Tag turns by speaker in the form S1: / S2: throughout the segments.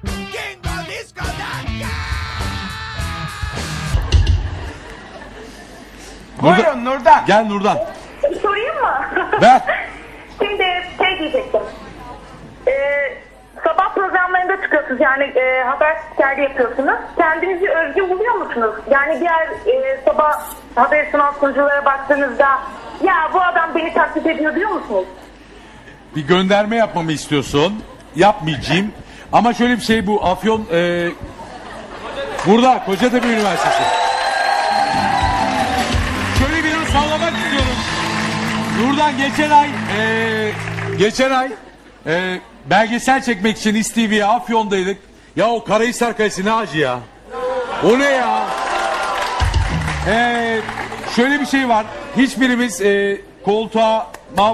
S1: Jingle Disco Dance.
S2: Buyurun Nurdan.
S3: Gel Nurdan.
S4: Sorayım mı?
S3: Ver.
S4: Şimdi şey diyecektim. Sabah programlarında çıkıyorsunuz yani haber spikeri yapıyorsunuz. Kendinizi özgü buluyor musunuz? Yani diğer sabah haber sunan sunuculara baktığınızda ya bu adam beni taklit ediyor diyor musunuz?
S3: Bir gönderme yapmamı istiyorsun. Yapmayacağım. Ama şöyle bir şey, bu Afyon burada Kocatepe Üniversitesi. Şöyle biraz sallamak istiyorum. Nurdan geçen ay belgesel çekmek için İSTV'ye Afyon'daydık. Ya o Karahisar Kalesi ne acı ya. O ne ya? Şöyle bir şey var. Hiçbirimiz koltuğa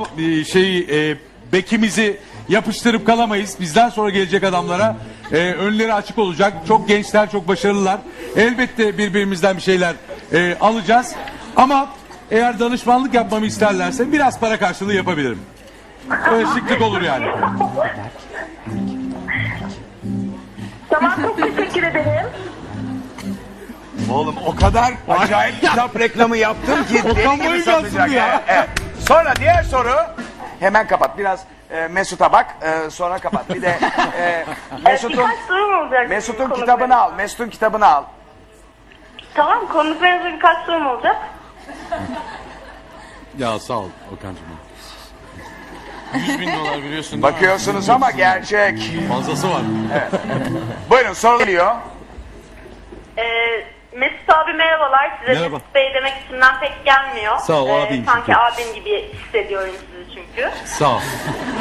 S3: bekimizi yapıştırıp kalamayız. Bizden sonra gelecek adamlara önleri açık olacak. Çok gençler, çok başarılılar. Elbette birbirimizden bir şeyler alacağız. Ama eğer danışmanlık yapmamı isterlerse biraz para karşılığı yapabilirim. Öyle şıklık olur yani.
S4: Tamam, çok teşekkür ederim.
S2: Oğlum o kadar acayip kitap reklamı yaptım ki deli gibi satacak ya. Evet. Sonra diğer soru. Hemen kapat. Biraz Mesut'a bak. Sonra kapat. Bir de
S4: Birkaç sorum olacak.
S2: Mesut'un kitabını al. Mesut'un kitabını al.
S4: Tamam, konuklarınızda birkaç sorum olacak.
S3: Ya sağ ol Okan'cığım.
S5: 100.000 dolar biliyorsun.
S2: Bakıyorsunuz ama gerçek.
S3: Fazlası var.
S2: Buyurun soru geliyor.
S4: Mesut abi merhabalar. Size
S3: Merhaba.
S4: Mesut Bey demek içimden pek gelmiyor.
S3: Sağ ol, abim
S4: sanki
S3: çünkü.
S4: abim gibi hissediyorum sizi çünkü.
S3: Sağ ol.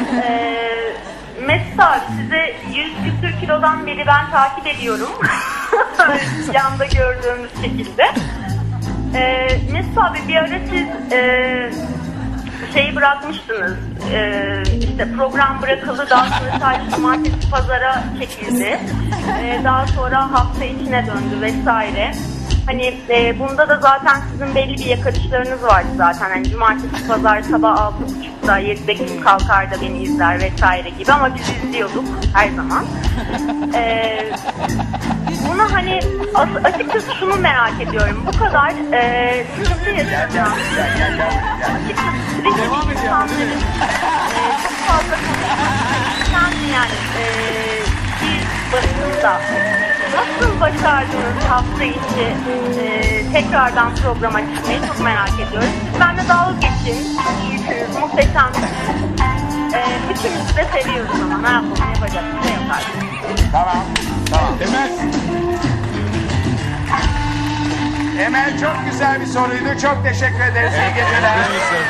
S4: Mesut abi sizi 100 küsür kilodan beri ben takip ediyorum. Yanda gördüğümüz şekilde. Mesut abi bir ara siz şeyi bırakmıştınız. İşte program bırakıldı. Daha sonra sadece cumartesi pazara çekildi. Daha sonra hafta içine döndü vesaire. Hani bunda da zaten sizin belli bir yakarışlarınız vardı zaten. Hani cumartesi pazar sabah 6.30'da 7'de kim kalkar da beni izler vesaire gibi, ama biz izliyorduk her zaman. Bunu hani açıkçası şunu merak ediyorum. Bu kadar sıkıntı yaşayacağım. Açıkçası
S3: Devam edelim.
S4: insanların çok fazla konuşan yani bir basında nasıl başardınız hafta içi tekrardan programa çıkmayı çok merak ediyorum. Siz benimle dalga geçin. İyisiniz, muhteşemsiniz. Üçümüzü de seviyoruz ama ne yapalım, yapacak bir şey yok artık.
S2: Tamam. Tamam.
S3: Emel.
S2: Emel çok güzel bir soruydu. Çok teşekkür ederiz. İyi geceler.